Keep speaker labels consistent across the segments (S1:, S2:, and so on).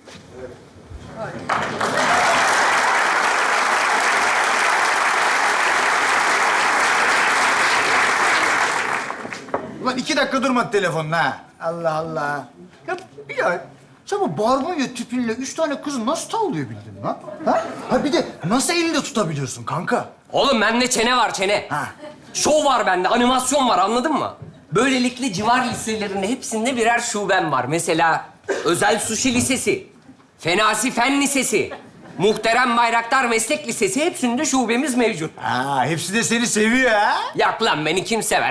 S1: Ulan 2 dakika durmadı telefonun ha. Allah Allah. Ya Bilal, sen bu barbunya tüpünle 3 tane kızı nasıl tavlayabildin lan? Ha bir de nasıl elinde tutabiliyorsun kanka?
S2: Oğlum bende çene var, çene.
S1: Ha.
S2: Şov var bende, animasyon var, anladın mı? Böylelikle civar liselerinin hepsinde birer şubem var. Mesela Özel Sushi Lisesi, Fenasi Fen Lisesi, Muhterem Bayraktar Meslek Lisesi, hepsinde şubemiz mevcut.
S1: Ha, hepsi de seni seviyor ha.
S2: Yak lan, beni kim sever?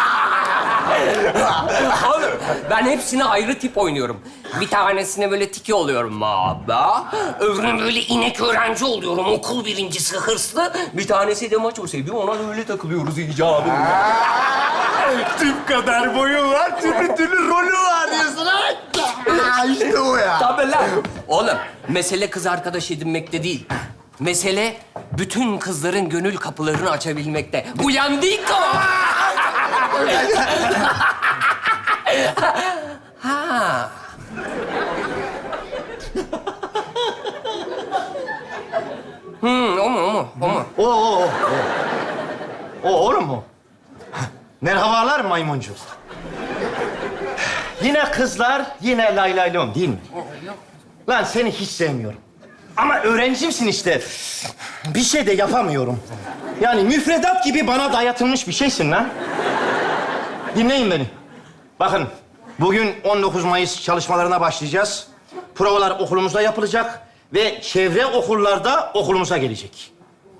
S2: Oğlum, ben hepsine ayrı tip oynuyorum. Bir tanesine böyle tiki oluyorum abi. Öbürüne böyle inek öğrenci oluyorum, okul birincisi hırslı. Bir tanesi de maço seviyor, ona öyle takılıyoruz icabı.
S1: Tüp kadar boyu var, türlü rolü var diyorsun ha. İşte o ya.
S2: Tabii lan. Oğlum, mesele kız arkadaş edinmekte değil. Mesele bütün kızların gönül kapılarını açabilmekte. Uyandık o. Ha. O mu?
S3: O oğlum mu? Merhabalar maymuncuk. Yine kızlar, yine lay lay lom değil mi? Lan seni hiç sevmiyorum. Ama öğrencimsin işte. Bir şey de yapamıyorum. Yani müfredat gibi bana dayatılmış bir şeysin lan. Dinleyin beni. Bakın, bugün 19 Mayıs çalışmalarına başlayacağız. Provalar okulumuzda yapılacak ve çevre okullarda okulumuza gelecek.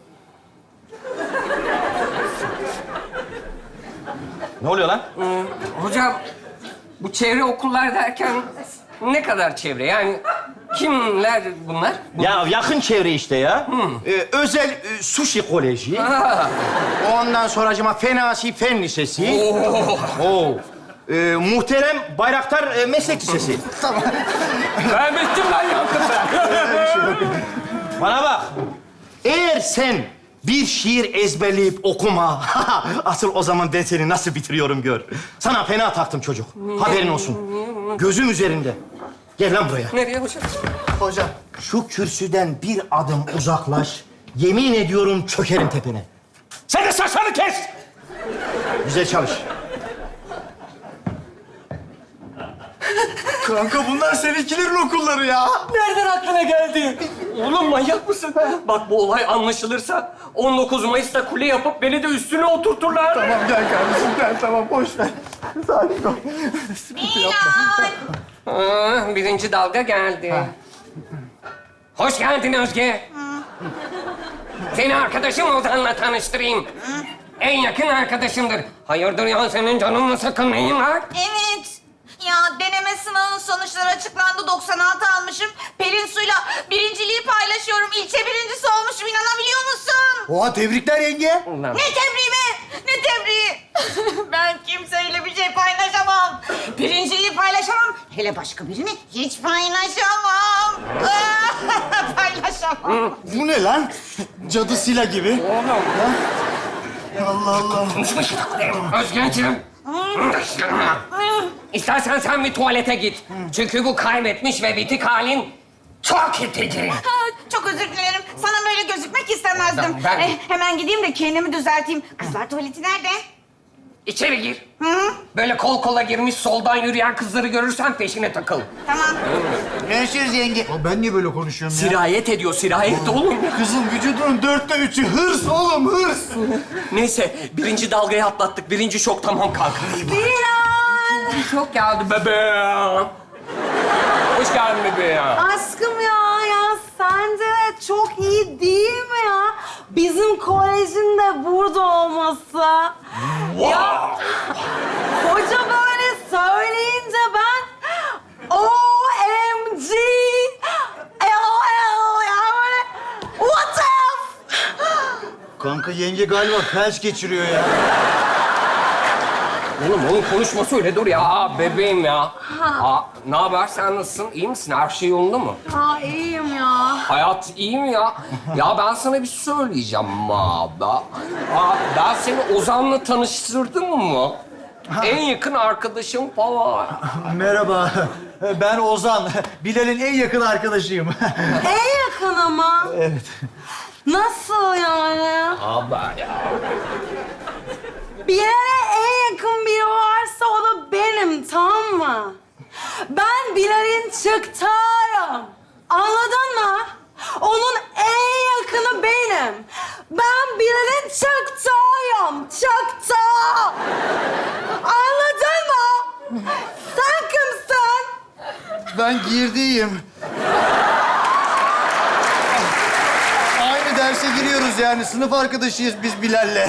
S3: Ne oluyor lan?
S2: Hocam, bu çevre okullar derken ne kadar çevre? Yani kimler bunlar?
S3: Ya yakın çevre işte ya. Özel sushi koleji.
S2: Ha.
S3: Ondan sonracıma Fenasi Fen Lisesi. Oo. Muhterem Bayraktar Meslek Lisesi.
S2: Ben bittim lan yakında.
S3: Bana bak. Eğer sen bir şiir ezberleyip okuma, asıl o zaman ben seni nasıl bitiriyorum gör. Sana fena taktım çocuk. Haberin olsun. Gözüm üzerinde. Gel lan buraya.
S2: Nereye hocam?
S1: Hocam.
S3: Şu kürsüden bir adım uzaklaş. Yemin ediyorum çökerim tepene. Sen de saçlarını kes! Güzel çalış.
S1: Kanka bunlar seninkilerin okulları ya.
S2: Nereden aklına geldi? Oğlum manyak mısın? Bak bu olay anlaşılırsa 19 Mayıs'ta kule yapıp beni de üstüne oturturlar.
S1: Tamam gel kardeşim gel, tamam boş ver. Sakin ol. Sıkıntı yapma.
S2: Birinci dalga geldi. Hoş geldin Özge. Seni arkadaşım Ozan'la tanıştırayım. En yakın arkadaşımdır. Hayırdır ya, senin canını sakın neyin var?
S4: Evet. Ya deneme sınavının sonuçları açıklandı. 96 almışım. Pelin Su'yla birinciliği paylaşıyorum. İlçe birincisi olmuşum. İnanabiliyor musun?
S1: Oha, tebrikler yenge.
S2: Ulan.
S4: Ne tebriği be? Ne tebriği? Ben kimseyle bir şey paylaşamam. Birinciliği paylaşamam. Hele başka birini hiç paylaşamam. Paylaşamam.
S1: Bu ne lan? Cadı Sila gibi. Allah Allah.
S2: Özge'ciğim. İstersen sen bir tuvalete git. Çünkü bu kaybetmiş ve bitik halin çok itici.
S4: Ha, çok özür dilerim. Sana böyle gözükmek istemezdim.
S2: Ben-
S4: Hemen gideyim de kendimi düzelteyim. Kızlar tuvaleti nerede?
S2: İçeri gir.
S4: Hı?
S2: Böyle kol kola girmiş soldan yürüyen kızları görürsen peşine takıl.
S4: Tamam.
S1: Görüşürüz yenge. Ya ben niye böyle konuşuyorum ya?
S2: Sirayet ediyor, sirayet oğlum.
S1: Kızın vücudunun 3'ü hırs oğlum, hırs.
S2: Neyse, birinci dalgayı atlattık. Birinci şok tamam kanka.
S4: Bilal!
S2: Şok geldi bebeğim. Hoş geldin bebeğim.
S5: Aşkım ya sence de çok iyi değil mi ya? Bizim kolejin de burada olması. Ya hoca böyle söyleyince ben OMG LOL ya böyle what if?
S1: Kanka yenge galiba felç geçiriyor ya.
S2: Oğlum onun konuşması öyle dur ya. Aa, bebeğim ya. Ne haber? Sen nasılsın? İyi misin? Her şey yolunda mı?
S5: Aa iyiyim ya.
S2: Hayat iyi mi ya? Ya ben sana bir şey söyleyeceğim abi. Ben seni Ozan'la tanıştırdım mı? En yakın arkadaşım falan.
S1: Merhaba. Ben Ozan. Bilal'in en yakın arkadaşıyım.
S5: En yakın ama.
S1: Evet.
S5: Nasıl yani?
S2: Abla ya.
S5: Bilal'e en yakın biri varsa o da benim, tamam mı? Ben Bilal'in çıktığıyım. Anladın mı? Onun en yakını benim. Ben Bilal'in çıktığıyım. Çıktı. Anladın mı? Sen kimsin?
S1: Ben girdiyim. Aynı derse giriyoruz yani. Sınıf arkadaşıyız biz Bilal'le.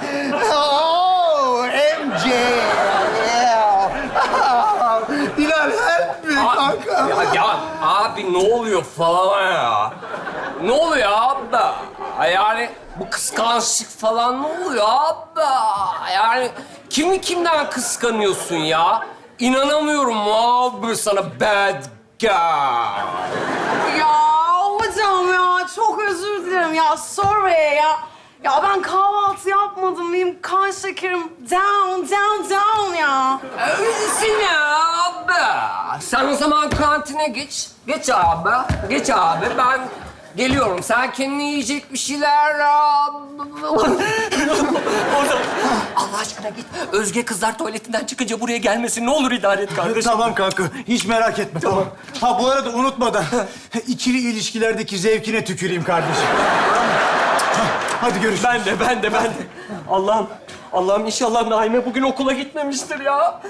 S1: Oh, MJ. Yeah. Bilal help me kanka.
S2: Ya abi ne oluyor falan ya? Ne oluyor abla? Yani bu kıskançlık falan ne oluyor abla? Yani kimi kimden kıskanıyorsun ya? İnanamıyorum abi sana bad guy.
S5: Ya hocam ya çok özür dilerim ya. Sorry ya. Ya ben kahvaltı yapmadım. Benim kan şekerim down ya.
S2: Öylesin ya abi. Sen o zaman kantine geç. Geç abi. Geç abi. Ben geliyorum. Sen kendine yiyecek bir şeyler... Allah aşkına git. Özge kızlar tuvaletinden çıkınca buraya gelmesin. Ne olur idare et kardeşim.
S1: Tamam kanka. Hiç merak etme. Tamam. Ha bu arada unutmadan ikili ilişkilerdeki zevkine tüküreyim kardeşim. Hadi görüşürüz.
S2: Ben de. Allah'ım inşallah Naime bugün okula gitmemiştir ya.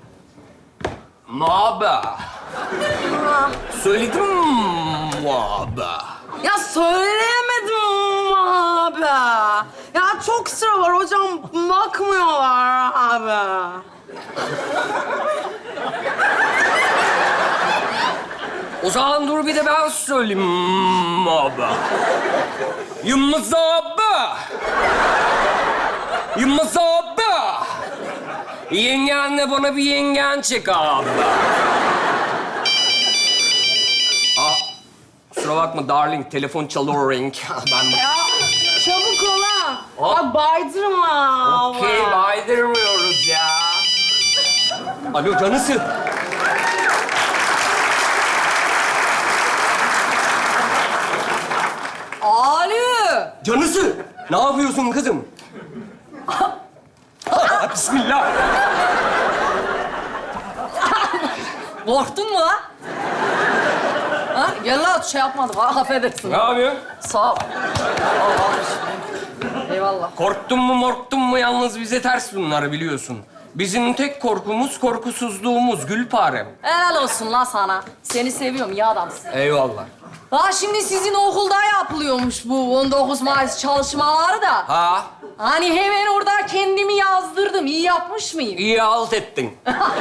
S2: Maba. Söyledim maba.
S5: Ya söyleyemedim abi. Ya çok sıra var hocam. Bakmıyorlar abi.
S2: O zaman dur bir de ben söyleyeyim maba. Yılmaz abi. Yılmaz abi. Yengenle bana bir yengen çek abi. Kusura bakma darling, telefon çalıyor ring. Ben
S5: Ya çabuk ol ha.
S2: Hop.
S5: Bak baydırma abi.
S2: Okey, baydırmıyoruz ya. Alo canısı.
S5: Ali.
S2: Canısı. Ne yapıyorsun kızım? Bismillah.
S6: Korktun mu lan? Ha? Gel lan şey yapmadım. Ha, affedersin.
S2: Ne yapıyorsun?
S6: Sağ ol. Allah'ım. Eyvallah.
S2: Korktun mu yalnız bize ters bunları biliyorsun. Bizim tek korkumuz korkusuzluğumuz Gülparem.
S6: Helal olsun lan sana. Seni seviyorum, iyi adamsın.
S2: Eyvallah.
S6: Ha şimdi sizin okulda yapılıyormuş bu 19 Mayıs çalışmaları da.
S2: Ha?
S6: Hani hemen orada kendimi yazdırdım. İyi yapmış mıyım?
S2: İyi halt ettin.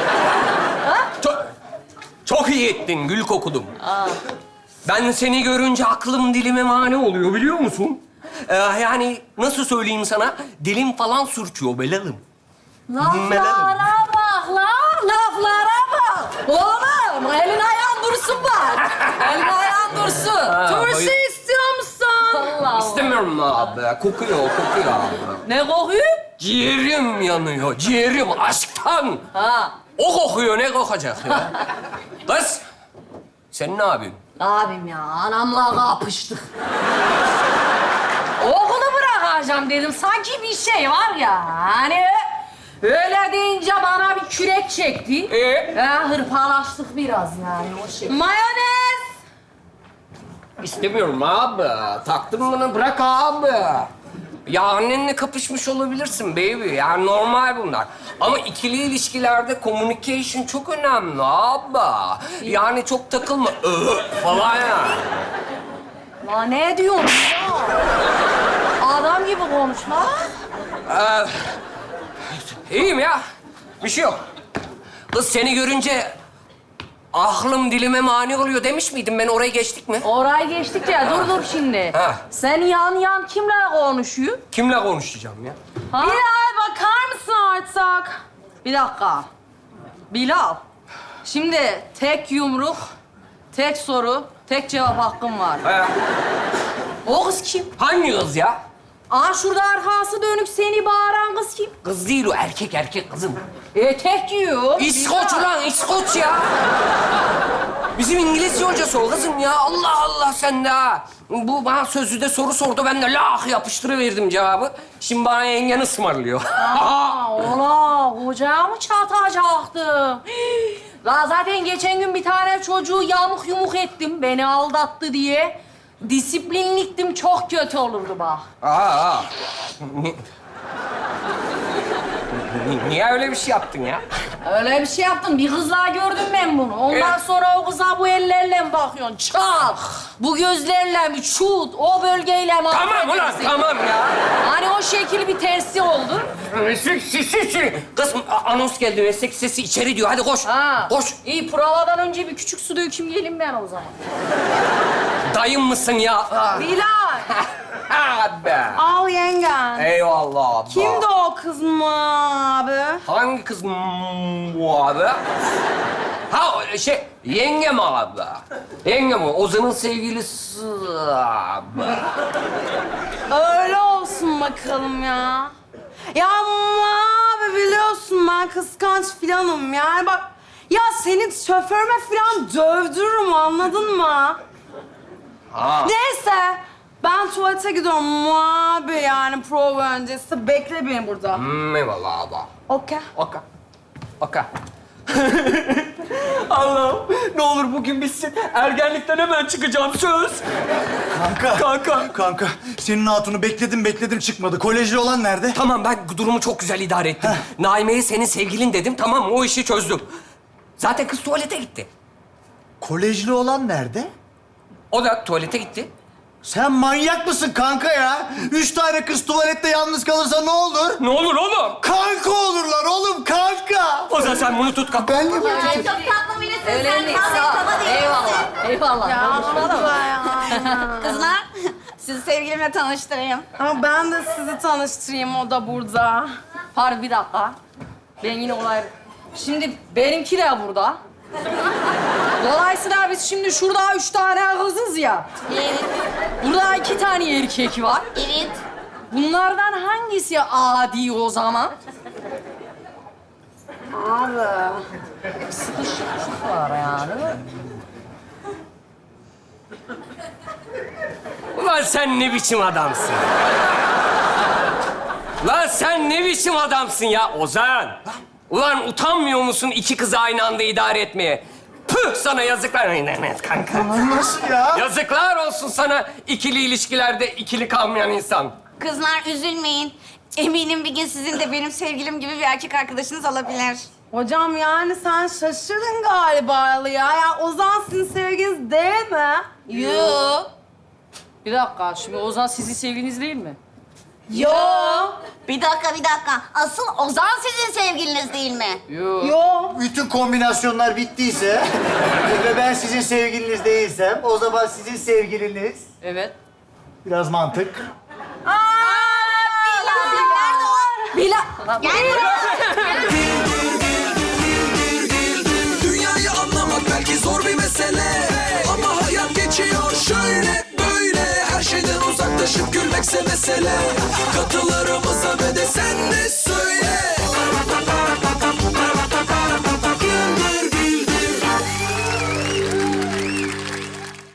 S2: Çok iyi ettin Gül kokudum. Ben seni görünce aklım dilime mani oluyor biliyor musun? Yani nasıl söyleyeyim sana? Dilim falan sürçüyor Belalım.
S6: Laflara bak lan, laflara bak. Oğlum, elin ayağın dursun bak. Elin ayağın dursun.
S5: Turşu istiyor musun?
S6: Allah.
S2: İstemiyorum abi. Kokuyor abi.
S6: Ne kokuyor?
S2: Ciğerim yanıyor, ciğerim aşktan.
S6: Ha.
S2: O kokuyor, ne kokacak ya? Kız, sen ne yapıyorsun?
S6: Ne yapayım ya? Anamla kapıştık. Okulu bırakacağım dedim. Sanki bir şey var ya. Hani öyle deyince bana bir kürek çekti. Hırpalaştık biraz yani o şey.
S5: Mayonez.
S2: İstemiyorum abi. Taktım bunu, bırak abi. Ya annenle kapışmış olabilirsin baby. Yani normal bunlar. Ama ikili ilişkilerde communication çok önemli abi. Yani çok takılma falan yani.
S6: Lan ne diyorsun ya? Adam gibi konuş lan.
S2: İyiyim ya. Bir şey yok. Kız seni görünce aklım dilime mani oluyor demiş miydim ben? Oraya geçtik mi?
S6: Orayı geçtik ya. Dur şimdi.
S2: Ha.
S6: Sen yan kimle konuşuyor?
S2: Kimle konuşacağım ya?
S6: Ha?
S5: Bilal bakar mısın artık?
S6: Bir dakika. Bilal. Şimdi tek yumruk, tek soru, tek cevap hakkım var.
S2: He.
S6: O kız kim?
S2: Hangi kız ya?
S6: Aa şurada arkası dönük seni bağıran kız kim?
S2: Kız değil o, erkek kızım.
S6: Etek giyiyor.
S2: İskoç ulan, İskoç ya. Bizim İngilizce hocası o kızım ya. Allah Allah sen de ha. Bu bana sözlüde soru sordu, ben de lah yapıştırıverdim cevabı. Şimdi bana yengen ısmarlıyor.
S6: Aa, ola hocaya mı çatacaktım? La zaten geçen gün bir tane çocuğu yamuk yumuk ettim beni aldattı diye. Disiplinliktim, çok kötü olurdu bak.
S2: Aa. Niye öyle bir şey yaptın ya?
S6: Öyle bir şey yaptım. Bir kızla gördüm ben bunu. Ondan sonra o kıza bu ellerle mi bakıyorsun? Çal. Bu gözlerle mi? Şut. O bölgeyle mi?
S2: Tamam ulan, tamam ya.
S6: Hani o şekil bir tersi oldu.
S2: Meslek sesi. Kız anons geldi, meslek sesi içeri diyor. Hadi koş.
S6: Ha.
S2: Koş.
S6: İyi, provadan önce bir küçük su döküm gelin ben o zaman.
S2: Dayım mısın ya?
S5: Bilal,
S2: Abi.
S5: al yengen.
S2: Eyvallah abla.
S5: Kimdi o kız mı abi?
S2: Hangi kız bu abi? Ha yengem abi. Yengem o. Ozan'ın sevgilisi abi.
S5: Öyle olsun bakalım ya. Ya ama abi biliyorsun ben kıskanç filanım yani bak. Ya seni şoförüme filan dövdürürüm anladın mı?
S2: Ha.
S5: Neyse ben tuvalete gidiyorum abi yani prova öncesi. Bekle beni burada.
S2: Eyvallah abi.
S5: Okey.
S2: Oka. Oka. Allah'ım ne olur bugün bitsin. Ergenlikten hemen çıkacağım söz.
S1: Kanka. Senin hatunu bekledim çıkmadı. Kolejli olan nerede?
S2: Tamam ben durumu çok güzel idare ettim. Naime'ye senin sevgilin dedim, tamam mı? O işi çözdüm. Zaten kız tuvalete gitti.
S1: Kolejli olan nerede?
S2: O da tuvalete gitti.
S1: Sen manyak mısın kanka ya? 3 tane kız tuvalette yalnız kalırsa ne olur?
S2: Ne olur oğlum?
S1: Kanka olurlar oğlum kanka.
S2: O zaman sen bunu tut kalk.
S1: Ben de
S4: Ay, çok tatlı birisin
S6: Öyle
S4: sen.
S6: mi?
S4: Vallahi
S6: Sağ ol.
S4: baba değil
S6: Eyvallah. Eyvallah.
S5: Ya abla ya.
S4: Kızlar, sizi sevgilimle tanıştırayım.
S5: Ama ben de sizi tanıştırayım o da burada.
S6: Pardon bir dakika. Ben yine olay... Şimdi benimki de burada. Dolayısıyla biz şimdi şurada 3 tane kızız ya.
S4: Evet,
S6: Burada 2 tane erkek var.
S4: evet.
S6: Bunlardan hangisi adi o zaman?
S5: Abi.
S6: Sıkışıklık var yani.
S2: Ulan sen ne biçim adamsın? Lan sen ne biçim adamsın ya Ozan? Ulan utanmıyor musun 2 kızı aynı anda idare etmeye? Püh sana yazıklar. Kanka.
S1: Nasıl ya?
S2: Yazıklar olsun sana ikili ilişkilerde ikili kalmayan insan.
S4: Kızlar üzülmeyin. Eminim bir gün sizin de benim sevgilim gibi bir erkek arkadaşınız olabilir.
S5: Hocam yani sen şaşırdın galiba ya. Ya Ozan sizin sevginiz değil mi?
S4: Yoo.
S6: Bir dakika, şimdi Ozan sizin sevgiliniz değil mi?
S4: Yo. Bir dakika. Asıl Ozan sizin sevgiliniz değil mi?
S6: Yok.
S5: Yo.
S1: Bütün kombinasyonlar bittiyse ve ben sizin sevgiliniz değilsem o zaman sizin sevgiliniz
S6: Evet.
S1: biraz mantık.
S4: Nerede o?
S6: Bila...
S4: Gel buraya.
S7: Dünyayı anlamak belki zor bir mesele, ama hayat geçiyor şöyle böyle. Her şeyden uzaklaşıp gülmekse mesele. Katılarımıza ve de sen de söyle.